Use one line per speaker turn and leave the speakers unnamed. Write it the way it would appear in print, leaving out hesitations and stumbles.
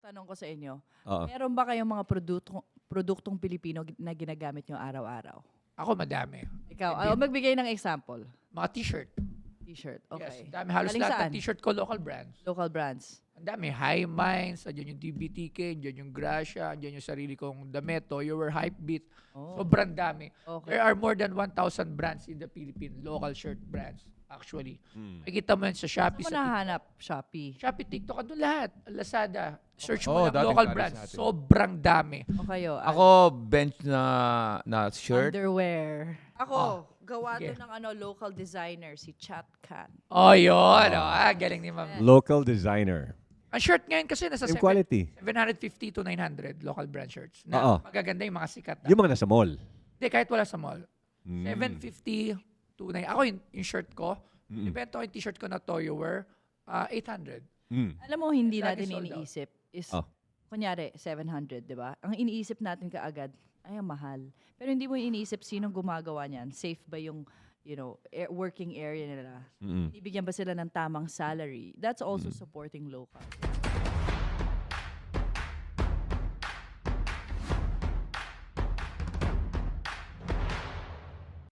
tanong ko sa inyo,
Oo.
meron ba kayong mga produktong Pilipino na ginagamit nyo araw-araw?
Ako madami.
Ikaw, magbigay ng example.
Mga t-shirt.
T-shirt,
Yes,
okay.
ang dami. Halos
Galing
lahat
saan?
ng t-shirt ko local brands.
Local brands.
Ang dami. High Minds, andyan yung DBTK, andyan yung Gracia, andyan yung sarili kong damit, Toyowear, Hypebeat.
Oh.
Sobrang dami.
Okay.
There are more than 1,000 brands in the Philippines, local shirt brands, actually. Makikita mo yan sa Shopee,
Saan mo
sa
nahanap? Shopee.
Shopee, TikTok, andun lahat. Lazada. Search
Oh,
mo lang
dating
local
galing
brands.
sa atin.
Sobrang dami.
O kayo?
Ako, bench na shirt.
Underwear. Ako, gawa
sige.
to ng local designer, si Chat Khan.
Oh, yun. Galing ni ma'am.
Local designer.
Ang shirt ngayon kasi nasa
Same quality.
750 to 900 local brand shirts. Na
Oo.
magaganda yung mga sikat.
Yung mga nasa mall.
Hindi, kahit wala sa mall. 750 to 9. Ako yung shirt ko, ibenta ko yung t-shirt ko na Toyowear, 800.
Alam mo, hindi
Lagi
natin
sold out.
iniisip is,
Oh.
kunyari, 700, di ba? Ang iniisip natin kaagad, ay, ang mahal. Pero hindi mo iniisip sinong gumagawa niyan. Safe ba yung, working area nila? Ibigyan ba sila ng tamang salary? That's also supporting local.